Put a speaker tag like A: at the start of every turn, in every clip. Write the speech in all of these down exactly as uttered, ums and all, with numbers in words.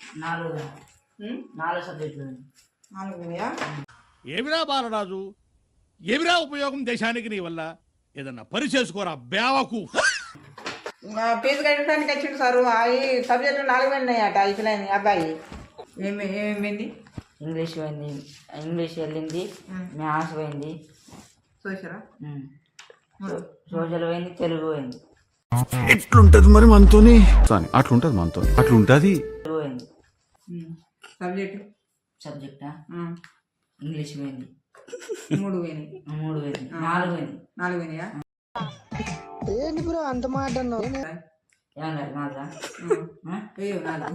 A: నాలుగు నాలుగు సబ్జెక్టులు
B: నాలుగు.
C: ఏమిరా బాలరాజు, ఏమిరా ఉపయోగం దేశానికి నీ వల్ల? ఏదన్నా పని చేసుకోరా బేవకు.
B: ఫీజు కట్టడానికి వచ్చిండు సారు. అవి సబ్జెక్టులు నాలుగు ఉన్నాయట అయిపోయినాయి. అబ్బాయి ఏమి ఏమైంది?
A: ఇంగ్లీష్ పోయింది, ఇంగ్లీష్ వెళ్ళింది, మ్యాథ్స్ పోయింది,
B: చూసారా
A: సోషల్ పోయింది, తెలుగు పోయింది.
D: ఎట్లుంటది మరి మనతోని? అట్లుంటది మనతో, అట్లుంటది.
A: తెలుగు పోయింది.
B: సబ్జెక్టు
A: సబ్జెక్టా ఇంగ్లీష్ పోయింది,
B: మూడు పోయినాయి.
A: మూడు పోయింది, నాలుగు పోయింది.
B: నాలుగు పోయినాయా?
E: ఏంటి బ్రో అంత మాట అన్నావు?
A: ఏమన్నారు నాలుగా?
B: నాలుగు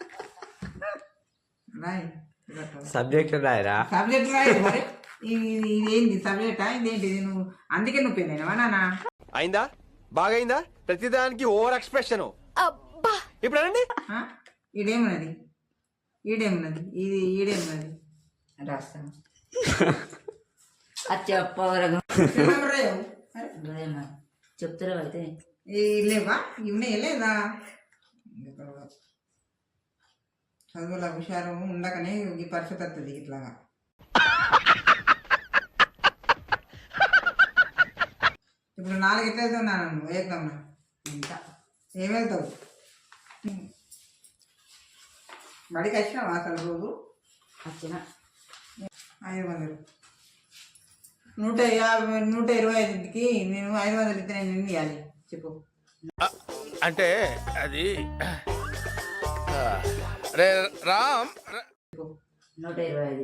B: రాయి
F: సబ్జెక్ట్ రాయరా?
B: సబ్జెక్ట్ రాయి మరి. ఇదేంటి సబ్జెక్టా? ఇదేంటి నువ్వు? అందుకే నువ్వు పోయినావా నాన్న?
F: అయిందా? బాగైందా? ప్రతిదానికి ఓవర్ ఎక్స్ప్రెషన్. ఇప్పుడు అనండి.
B: ఈడేమున్నది? ఈడేమున్నది? ఇది ఈడేమున్నది?
A: రాస్తాను అది చెప్పవరకు చెప్తారా అయితే
B: లేవా? ఇవన్నీ లేదా? చదువుల హుషారు ఉండకనే ఈ పరిస్థితి వస్తుంది ఇట్లాగా. ఇప్పుడు నాలుగు ఎట్లా వెళ్తున్నాను నువ్వు? ఏకమ్మా
A: ఇంకా
B: ఏం వెళ్తావు? బడికి వచ్చినావా అసలు రోజు?
A: వచ్చిన
B: ఐదు వందలు నూట యాభై నూట ఇరవై ఐదుకి నేను ఐదు వందలు ఇస్తే నేను ఎన్ని ఇవ్వాలి చెప్పు.
F: అంటే అది రామ్
A: నూట ఇరవై ఐదు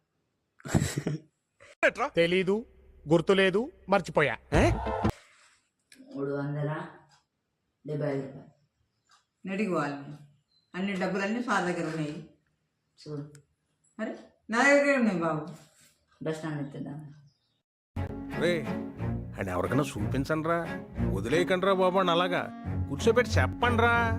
C: తెలీదు, గుర్తులేదు, మర్చిపోయా.
A: మూడు వందల డెబ్బై ఐదు రూపాయలు.
B: నెటికి పోవాలి. అన్ని డబ్బులన్నీ సార్ దగ్గర ఉన్నాయి.
A: చూడు
B: అరే నా దగ్గరే ఉన్నాయి బాబు.
A: బస్ స్టాండ్ ఎత్తుదా
G: రే అండ్ ఎవరికైనా చూపించండి రా, వదిలేయకండి రా బాబు అని అలాగా కూర్చోబెట్టి చెప్పండి రా.